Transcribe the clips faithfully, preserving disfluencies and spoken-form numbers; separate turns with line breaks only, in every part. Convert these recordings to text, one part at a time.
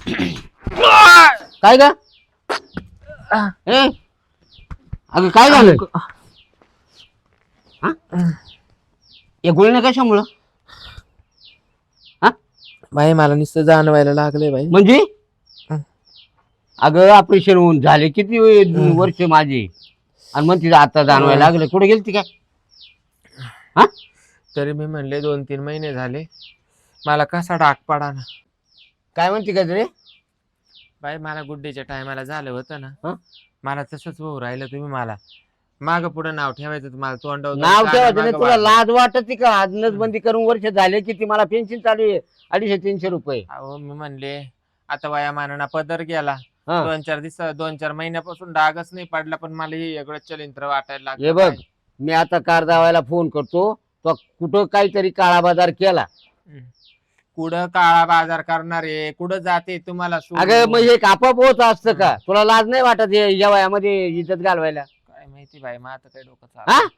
काय ग ए अगं काय झालं या गोळीने कशामुळं हा
बाई मला नुसतं जाणवायला लागले बाई.
म्हणजे अगं ऑपरेशन होऊन झाले किती वर्ष माझे आणि मग तिथं आता जाणवायला लागलं. कुठे गेलती काय हा
तरी मी म्हणले दोन तीन महिने झाले मला कसा डाक पडा ना.
काय म्हणते काय रे
बाई मला गुड्डेच्या टायमाला झालं होतं
हं?
ना मला तसंच होऊ राहिलं. तुम्ही मला माग पुढे नाव ठेवायचं तुम्हाला तोंडावर
नाव ठेवायचं नाही
मागं
तुला
वाढलं.
लाज वाटत का आज नसबंदी करून वर्ष झाले किती मला पेन्शन चालू आहे अडीचशे तीनशे रुपये
अहो मी म्हणले आता वयामानाना पदर गेला
हा.
दोन चार दिवस दोन चार महिन्यापासून डागच नाही पडला पण मला हे वेगळं चलिंत्र वाटायला
हे
लागलं.
बघ मी आता कार दावायला फोन करतो तो कुठं काहीतरी काळा बाजार केला.
हम्म. कुठं काळा बाजार करणार आहे कुठं जाते तुम्हाला सोडून?
अगं मग हे आपोआप होत असतं का तुला लाज नाही वाटत हे या वयामध्ये इज्जत घालवायला
काय माहिती बाई मग आता काय डोकं
हा
चालू.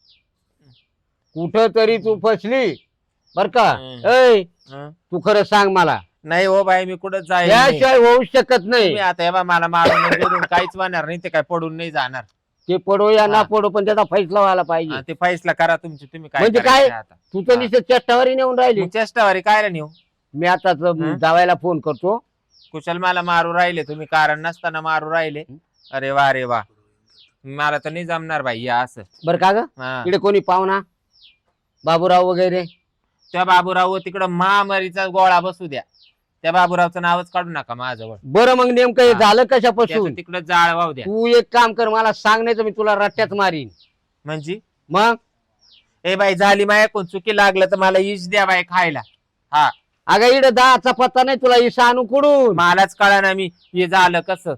कुठं तरी तू फसली बर का
हम्म.
ऐ
हं?
तू खरं सांग मला
नाही हो बाई मी कुठं जाईल
याशिवाय होऊ शकत नाही.
आता हे बा मला मारून वगैरे काहीच होणार नाही ते काय पडून नाही जाणार.
ते पडो या ना
हा.
पडो पण त्याचा फैसला व्हायला पाहिजे.
हा, ते फैसला करा तुमची तुम्ही काय
म्हणजे
करायचं
काय?
आता
तू तर
हा.
नुसतं चेष्टावरी नेऊन राहिली.
मग चेष्टावारी काय नेऊ
मी आता
हं?
जावायला फोन करतो.
कुशल मला मारू राहिले तुम्ही कारण नसताना मारू राहिले. अरे वा अरे वा मला तर नाही जमणार बाई या असं.
बर का ग
हा.
इकडे कोणी पाहुणा बाबूराव वगैरे
त्या बाबूराव तिकडं महामारीचा गोळा बसू द्या त्या बाबूरावचं नावच काढू नका माझ्याजवळ.
बरं मग नेमकं हे
हा.
झालं कशापासून
तिकडं जाळ वाहू द्या.
तू एक काम कर मला सांग नाही तर मी तुला रट्ट्यात मारीन.
म्हणजे
मग
ए बाई झाली माया कोण चुकी लागलं तर मला इश द्या बाई खायला. हा
अगं इकडे दहाचा पत्ता नाही तुला इसा आणू कुडून.
मलाच कळा ना मी हे झालं कसं.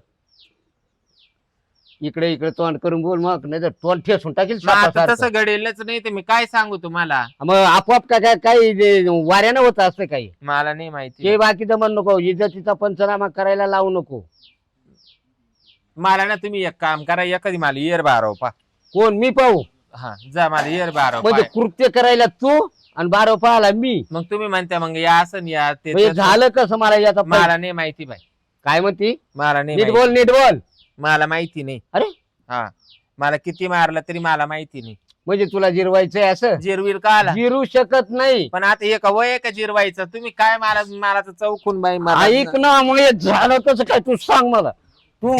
इकडे इकडे तोंड करून बोल मग नाही तर तोंड ठेसून टाकील
मग आता
सापासारखं.
तसं घडेलच नाही तर मी काय सांगू तुम्हाला.
मग आपोआप काय काय काही जे वाऱ्यानं होत असतं काही
मला नाही माहिती.
ते बाकीचं म्हण नको इज्जतीचा पंचनामा करायला लावू नको.
मला ना तुम्ही एक काम करा एखादी मला इयर बारव पा.
कोण मी पाहू
हा जा मला इयर बारव
म्हणजे
पा.
कृत्य करायला तू आणि बारो पाहाला मी.
मग तुम्ही म्हणता मग या असं या ते
म्हणजे
तसं.
झालं कसं मला याचा पै-
मला नाही माहिती बाई
काय म्हणती
मला नाही
नीट
माहिती.
बोल नीट बोल.
मला माहिती नाही.
अरे
हा मला किती मारलं तरी मला माहिती नाही.
म्हणजे तुला जिरवायचंय असं
जिरवीर का आला
जिरू शकत नाही.
पण आता एक वय का जिरवायचं तुम्ही काय मला मला तर चौकून बाई मला
ऐक ना मग हे झालं कसं काय तू सांग मला. तू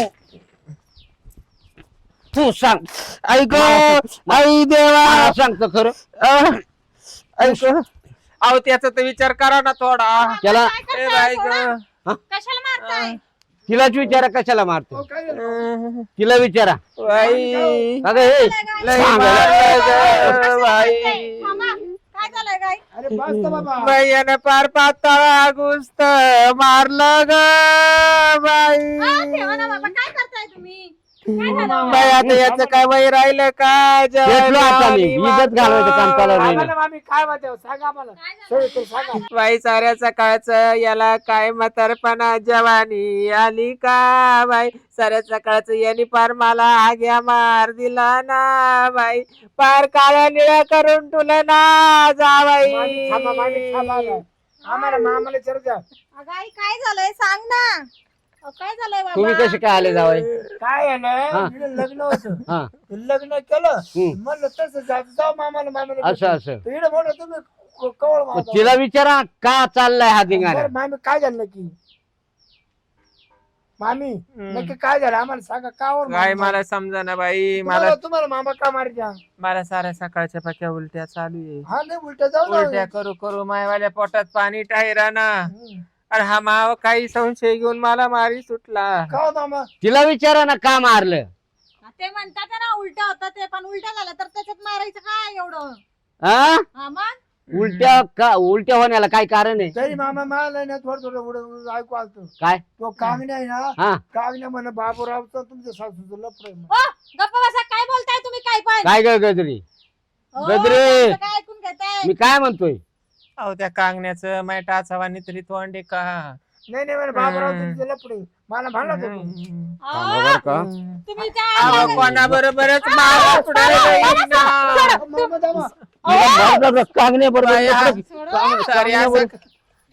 तू सांग
ऐक
मला
आई देवा
मला सांगतो खरं.
अह, ऐक अहो त्याचा तर विचार करा ना थोडा.
त्याला
ए बाई गं.
कशाला मारताय?
तिलाच विचारा कशाला मारतो
अह,
तिला विचारा.
बाई
अगं हे
लय
सांग.
मारलं गं, बाई
मामा, काय झालंय काय?
अरे बस बाबा.
बाई यानं पार पाताळा गुस्त मारलं ग बाई.
आ, ठेवा ना बाबा, काय करताय तुम्ही? काय झालं?
बाई आता याचं काय वय राहिलं काय
घेतलो आता मी इज्जत घालवायचं काम चालू
सांगा
राहिलं.
ना मामी काय म्हणते सांगा मला.
काय झालं?
सविस्तर सांगा.
बाई साऱ्या सकाळचं याला काय म्हातारपणा जवानी आली का बाई साऱ्या सकाळचं याने पार मला आग्या मार दिला ना बाई पार काळ्या निळ्या करून तुला ना जा
मामी थांबा, मामी थांबा
बाई.
ना. आम्हाला मामाला विचारू द्या.
अगं आई, काय झालंय सांग ना. अहो, काय झालंय
तुम्ही
बाबा?
कसे काय आले जावाय.
काय आहे
हा.
ना इकडे लग्न होतं
हा
लग्न केलं
हम्म.
म्हणलं तसं जायचं जाऊ मामाला मामाला
असं असं
इकडे म्हणलं तुम्ही क- कवळ
मग
मारता.
तिला विचारा का चाललाय हा धिंगाणा.
बरं, मामी काय झालं नक्की मामी नक्की काय झालं आम्हाला सांगा का वर
काय
मामा?
मला समजा ना बाई मला
तुम्हाला तुम्हाला मामा का मारत्या.
मला साऱ्या सकाळच्या पाक्या उलट्या चालू आहे.
हा नाही उलट्या जाऊ ना.
उलट्या करू करू मायवाल्या पोटात पाणी टायरा ना.
हम्म.
अरे हा माव काही संशय घेऊन मला मारी सुटला.
का हो मामा
तिला विचारा ना का मारलं.
ते म्हणतात ना उलटा होता ते पण उलटा झाला तर त्याच्यात मारायचं काय एवढं?
हा
हा मग
उलट्या का उलट्या होण्याला काय कारण आहे.
तरी मामा मला ना थोडं थोडं उडं ऐकू आलतो.
काय
तो कामी नाही ना
हा
कामी नाही म्हणे बाबूरावचं तुमच्या सासूचं लफडं आहे म्हणे.
ओ, गप्प बसा, काय बोलताय तुम्ही काय पण?
काय ग गजरी
ओ,
गजरे.
तुमचं काय ऐकून घेताय?
मी काय म्हणतोय.
अहो त्या कांगण्याचं माय टाचावानी तरी तोंडे का.
नाही नाही म्हणे बाबूराव तुमचं लफडं आहे. मला म्हणला तो.
थांबा बरं का.
तुम्ही त्या
अहो कोणा बरोबरच मारा पुढे
मामा दामा
कांगणे बरोबर
सोडा. सारी असं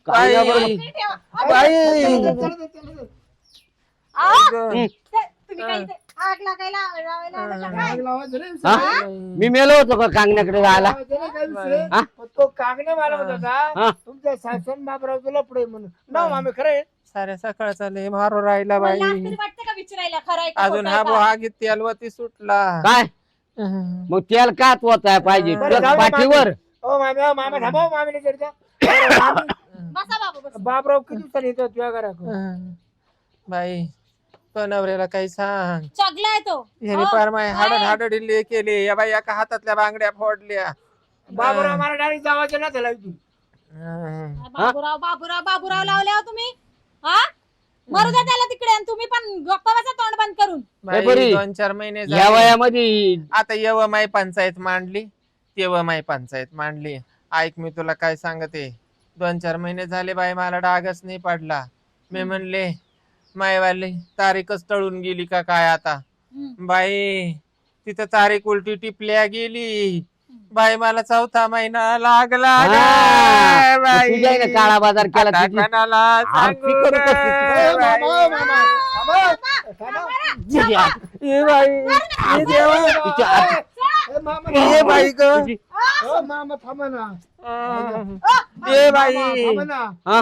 काय
बाई.
बरं?
ते ठेवा.
बाई.
चला दे, चला दे.
अहो,
हं.
ते- तुम्ही काही ते आग लागायला लावायला आलं का काय?
आग लावायचं रे,
हा?
सगळं.
मी मेलो होतो का कांगण्याकडे जायला
लावायचं नाही काय विषय.
हा?
पण तो कागणे मला म्हणत
हा.
होता तुमच्या सासून बापराव तुला पुढे म्हणून ना मामी खरं आहे.
साऱ्या सकाळचा लय मारो राहिला
मला
बाई
लाज तरी वाटते का विचारायला खरं आहे का
अजून
खोटं
हा
आहे का?
बोहागीत तेलवती सुटला
काय मग तेल का वाचाय पाहिजे
बरं,
तुझ्या
जाऊ दे
पाठीवर
ओ मामी ओ मामा थांबा ओ मामीने चर्चा बरं, मामी,
बसा बाबा बसा.
बापराव किती दिवसांनी येतो तुझ्या घराकडे
बाई तो नवऱ्याला काही सांग
चगला आहे तो
ह्याने
हो,
पार माय हाड
काय?
हाड डिल्ले केले या बाई एका हातातल्या बांगड्या फोडल्या
बापराव मला डायरेक्ट जावायचं ना त्याला इथून.
हं.
बाबूराव बाबूराव बाबूराव लावले हो तुम्ही हा मरू द्या त्याला तिकडे आणि तुम्ही पण गप्पा बसा तोंड बंद करून
बाई,
बरी.
दोन चार महिने
या
झाले.
वयामध्ये
आता येव माई पंचायत मांडली तेव्हा माई पंचायत मांडली ऐक मी तुला काय सांगते दोन चार महिने झाले बाई मला डागच नाही पडला मी म्हणले मायवाली तारीखच टळून गेली का काय आता
हम्म.
बाई तिथं तारीख उलटी टिपल्या गेली बाई मला चौथा महिना लागला
हा.
ग
मग
बाई.
तुझ्या आईनं काळा बाजार केला
आता
तुझी.
कोणाला
आरती
सांगू
करू
ग
का?
ओ मामा, ओ
बाई?
मामा, थांबा. थांबा.
तुझी-
ए बाई ए देवा.
तिच्या आत-
ए मामा,
ए बाई ग
तुझी-
ओ मामा थांबा ना
ए बाई
मामा, थांबा ना
हा?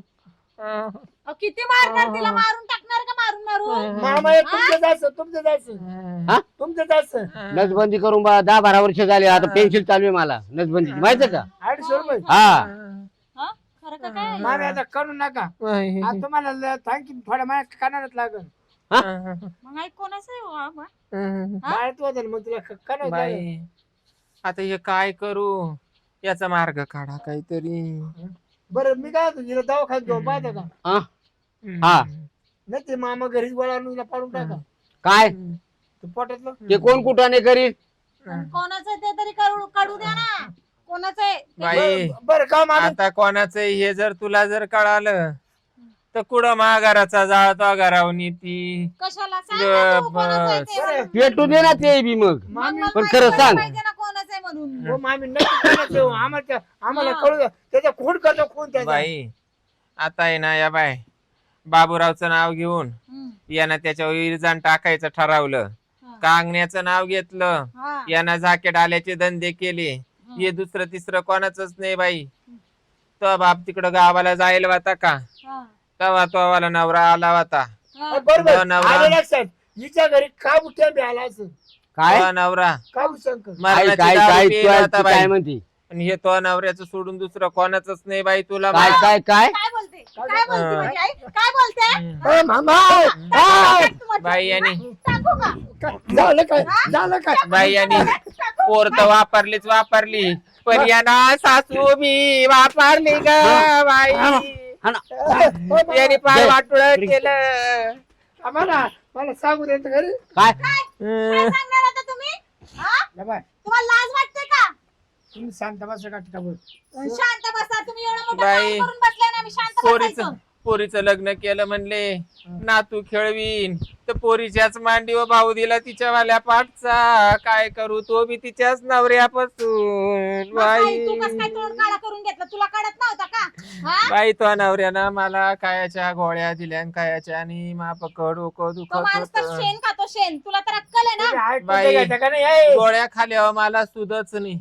अहो, किती मारणार तिला मारून टाकणार का मारून मारून
मामा हे तुमचं जायचं तुमचं जायचं
हा?
तुमचं जायचं
नसबंदी करून बा दहा बारा वर्ष झाले आता पेन्सिल चालू आहे मला नसबंदी माहितीये का
अडीचशे रुपये
हा
हा? खरं का काय
मामी आता करू नका आता तुम्हाला थँक्यू थोड्या माझ्या कानात लागल
मग ऐक कोणाचं आहे हो हा मग? हा?
बाळत वाजेल मग तुला कानात लागल.
बाई आता हे काय करू याचा मार्ग काढा काहीतरी
बरं मी काय होतो तिला दवाखान्यात घेऊन पाहता का
हा? हा.
नाही ते मामा घरीच वळा पाडून टाका
काय
ते पोटातलं
ते कोण कुठाने करीत
पण कोणाचं आहे ते तरी करू काढू द्या ना कोणाचं आहे ते-
बाई
बरं- बरं का मामी
आता कोणाचं हे जर तुला जर कळालं तर कुठं महागाराचा जाळ तो घरावून ती
कशाला सांग ना तू कोणाचं आहे ते
बरं.
म्हणून.
पेटू दे ना ते बी मग
मग
मामी
मला
पण
माहिती
खरं
पडलं
सांग.
पाहिजे ना कोणाचं आहे म्हणून
हो मामी नक्की कोणाचं आहे हो. आम्हाला आम्हाला
हा.
कळू द्या. त्याचा खून करतो खून त्याचा
बाई आता आहे ना या बाय बाबूरावचं नाव घेऊन
हम्म.
यानं त्याच्यावर इरजान टाकायचं ठरवलं
हा.
कांगण्याचं नाव घेतलं
हा.
यानं जाकेट आल्याचे धंदे केले हे दुसरं तिसरं कोणाचंच नाही बाई तो बाप तिकडं गावाला जायला होता का
हा.
तेव्हा तो वाला नवरा आला होता
हा.
बरोबर
तो नवरा-
आले लक्षात हिच्या घरी का बुट्या बी आला असं
काय
तो नवरा
का शंकर
काय
मरणाची
काय
दारू
काय
पिला
तू-
होता
तू काय
बाई
म्हणती
आणि हे तो नवऱ्याचं सोडून दुसरं कोणाचंच नाही बाई तुला
काय
मा-
काय काय
काय बोलते काय बोलते
हा.
माझी आई काय बोलते
ए, मामा
काय तुम्हाला-
बाई यांनी
सांगू का
काय झालं काय झालं काय
बाई यांनी पोर तर वापरलीच वापरली पण यांना सासू मी वापरली ग बाई
हा ना.
यांनी पाय
दे.
वाटुळ केलं
आम्हाला मला सांगू द्यायचं घरी
काय
काय सांगणार आता तुम्ही हा?
या बाय
तुम्हाला लाज वाटते का
तुम्ही शांत बसा का टिकावर
शांत बसा तुम्ही एवढं मोठं
बाई,
काम करून बसले ना मी शांत
पोरीच
बसायचं
पोरीचं लग्न केलं म्हणले नातू खेळवीन तर पोरीच्याच मांडीवर भाऊ दिला तिच्या वाल्या पाठचा काय करू तो बी तिच्याच नवऱ्यापासून
मग आई, तू
बाई
कसं काय तोंड काळा करून घेतलं तुला काढत नव्हता का हा?
बाई तो नवऱ्यानं मला कायाच्या गोळ्या दिल्या आणि कायाच्या आणि मापकड डोकं
तो
दुखत
माणूस तर
होत
शेण खातो शेण तुला तर अक्कल आहे ना
बाई.
घ्यायचा का नाही ए,
गोळ्या खाल्यावर मला सुधच नाही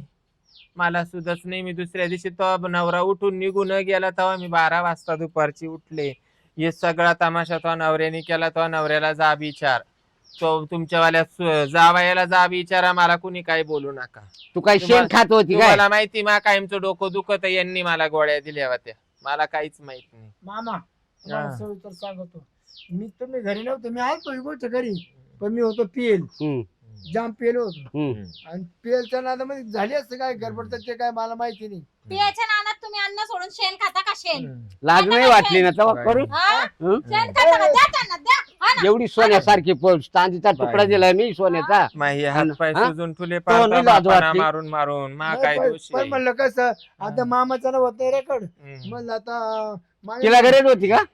मला सुधच नाही मी दुसऱ्या दिवशी तो नवरा उठून निघून गेला तेव्हा मी बारा वाजता दुपारची उठले हे सगळा तमाशा तो नवऱ्याने केला तो नवऱ्याला जा विचार तो तुमच्यावाल्या सु- जावयाला जा विचारा मला कुणी काही बोलू नका
तू काय शेण
तुम्हाला-
खात होती काय
तुम्हाला माहिती मा कायमचं डोकं दुखत यांनी मला गोळ्या दिल्या होत्या मला काहीच माहित नाही
मामा तुम्हाला
हा.
सविस्तर सांगतो मी तुम्ही घरी नव्हतो मी आलतो ही गोष्ट घरी पण मी होतो पिएल
हम्म,
जाम पिएल होतो
हम्म.
आणि पिएलच्या नादामध्ये झाली असते काय गडबड ते काय मला माहिती नाही
पियाच्या नानात तुम्ही अन्न सोडून शेण खाता का शेण
लाज नाही वाटली ना तेव्हा करू
हा?
हं?
शेण खाता का द्या त्यांना द्या हा ना?
एवढी सोन्यासारखी प- चांदीचा तुकडा दिलाय मी सोन्याचा
माही हात पाय
हा?
सुजून तुले
तो नाही लाज
पाहता
वाटली.
मारून मारून मा
नाही,
काय
पण-
दोषी
पण
आहे?
म्हणलं कसं आता मामाचं नाव होत नाही रेकॉर्ड
हम्म.
म्हणलं आता मामी-
तिला गरज होती का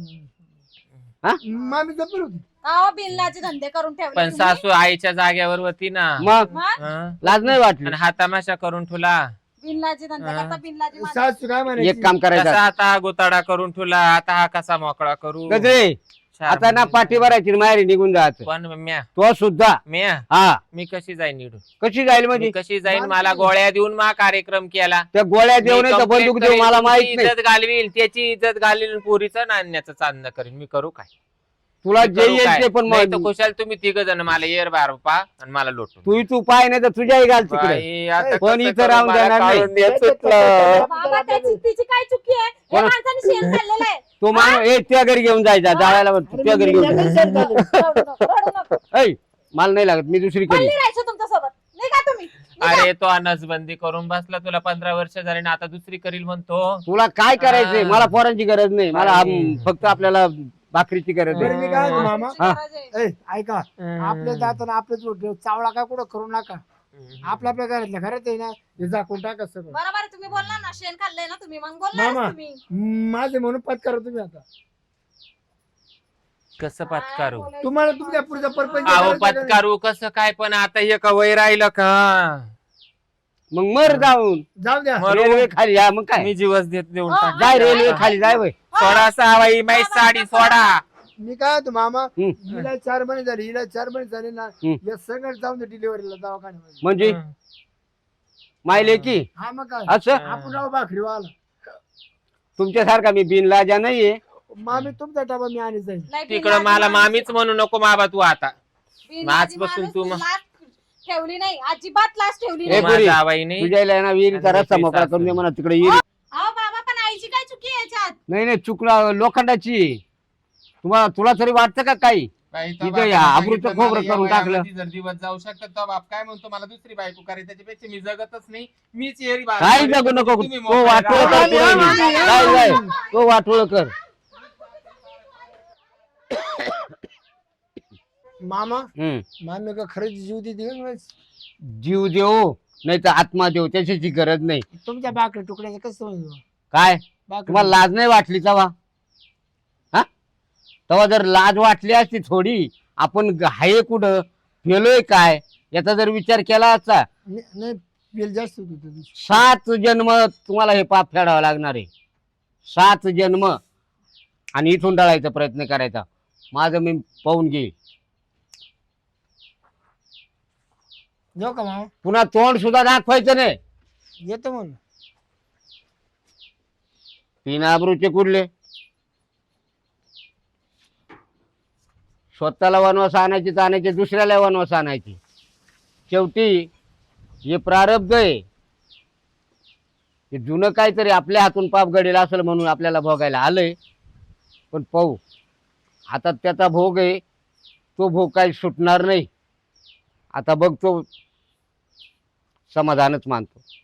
हा?
मामी जपून होती
अहो बिल्लाचे धंदे करून ठेवले
पण
तुम्ही.
सासू आईच्या जागेवर होती ना
मग
हं?
लाज नाही वाटली
आणि हा तमाशा करून ठेवला
बिनलाजी धंदा
हा.
करता बिनलाजी माझं.
सासू काय म्हणायची
एक काम
कसा
करायचं
आता गोताडा करून ठेवला आता हा कसा मोकळा करू
गजरे आता ना पाठी भरायची माहेरी निघून जायचं
पण म्या
तो सुद्धा
म्या
हा
मी कशी जाईन निडून
कशी जाईल म्हणजे
मी कशी जाईन
माणूस
मला
नाही.
गोळ्या देऊन मा कार्यक्रम केला
त्या गोळ्या
मी
देऊन
complaint
बंदूक देऊ
करीन,
मला
तुमची
माहित नाही
इज्जत घालवील त्याची इज्जत घालवील पुरीचं नाण्याचं चांदणं करीन मी करू काय
तुला
मी
जे
करू
येईल
काय?
ते पण
नाही तर
मग
खुशाल तुम्ही तिघ जण मला येर बार पा आणि मला लोटून
तू तू पाय नाही तर तुझ्याही घाल तिकडे
बाई, आता
पण
कसं
इथं
करू?
राहून
मला
देणार नाही.
काढून द्या सुटलं.
बाबा त्याची तिची काय चुकी आहे हे
कोण-
माणसाने शेण खाल्लेलं आहे.
तो माणूस ए त्या घरी घेऊन जायचा जायला
अरे
त्या घरी
मी
घेऊन
लगेच
जा.
शेण खाल्लं.
रडू नको, रडू नको.
ऐ मला नाही लागत मी दुसरी करी
बोलली राहायचं तुमच्या सोबत नाही का तुम्ही निघा.
अरे तो नसबंदी करून बसला तुला पंधरा वर्ष झाले ना आता दुसरी करील म्हणतो
तुला काय करायचंय
हा.
मला पोरांची गरज नाही मला
बाई.
आम- फक्त आपल्याला भाकरीची गरज
बरं,
आहे
मी काय म्हणतो,
हा,
मामा?
तुमची
हा.
गरज आहे.
ए, ऐका आपल्या दाताना आपल्याच ओढलं. चावला काय कुठं करू नका आपल्या आपल्या घरातल्या घरात आहे ना हे झाकून टाका सगळं
बरोबर आहे, तुम्ही बोलला ना शेण खाल्लंय ना तुम्ही मग बोलला
मामा.
तुम्ही
माझे म्हणून पत्कार तुम्ही आता
कसं पत्कारू
काय बोलायचं?
तुम्हाला तुमच्या पुढचा परपंच
अहो
करायचा का नाही?
पत्कारू कसं काय पण आता हे का वय राहिलं का
मग मर जाऊन
जाऊ द्या
मरू.
रेल्वे खाली या मग काय
मी जीवच देत देऊन
हा,
टाक.
जाय रेल्वे खाली जाय वय
सोडा सहावाई माई साडी सोडा
मी काय होतो मामा
हम्म.
हिला चार महिने झाले हिला चार महिने झाले ना
हम्म.
या सगळं जाऊन दे डिलिव्हरीला दवाखान्यामध्ये
म्हणजे मायले की
हा मग काय
असं
आपण राव भाकरी वाला
तुमच्यासारखा मी बिनलाजा नाहीये
मामी तुमचा डबा मी आणि जाईल
नाही,
तिकडं
बिनलाजी
मला
माणूस-
मामीच म्हणू नको बाबा तू आता
बिनलाजी
आजपासून
माणूस
तू मग-
लाज ठेवली नाही अजिबात लाज ठेवली
ए,
नाही
पुरी.
माझ्या आवाईने
तुझ्या इला ना विहिरीचा
आणि
रस्ता
दुसरी
मोकळा करून दे
सासू.
म्हणा तिकडे विहिरी
अहो बाबा पण आईची काय चुकी आहे याच्यात
नाही नाही चुकला लोखंडाची आहे. तुम्हाला तुला तरी वाटतं का काही इथं या आबरूचं खोबरं करून टाकलं
जर दिवस जाऊ शकतात तो बाप काय म्हणतो मला दुसरी बायको करायची त्याच्यापेक्षा मी जगतच नाही मीच येरी बाळा.
काही जगू नको
तुम्ही
तो
मोकळे
वाटोळ
राहा.
कर पुढे मी. काय काय तो वाटोळ कर
मामा
हम्म
मामी का खरंच जीव देते का नाही?
जीव देऊ नाही तर आत्मा देऊ त्याच्याची गरज नाही
तुमच्या भाकरी तुकड्याचं कसं होईल
काय
भाकरी
तुम्हाला लाज नाही वाटली तेव्हा हा तेव्हा जर लाज वाटली असती थोडी आपण ग- हाय कुठं गेलोय काय याचा जर विचार केला असता
नाही नाही, बिल जास्त होतं त्या दिवशी.
सात जन्म तुम्हाला हे पाप फेडावं लागणार आहे सात जन्म आणि इथून टळायचा प्रयत्न करायचा माझं मी पाहून घेईल
जाऊ का मामा
पुन्हा तोंड सुद्धा दाखवायचं नाही
येतो म्हणून
तीन आबरूचे कुठले स्वतःला वनवास आणायची तर आणायची दुसऱ्याला वनवास आणायची शेवटी हे प्रारब्ध आहे हे जुनं काहीतरी आपल्या हातून पाप घडेल असेल म्हणून आपल्याला भोगायला आलंय पण पाहू आता त्याचा भोग आहे तो भोग काही सुटणार नाही आता बघतो समाधानच मानतो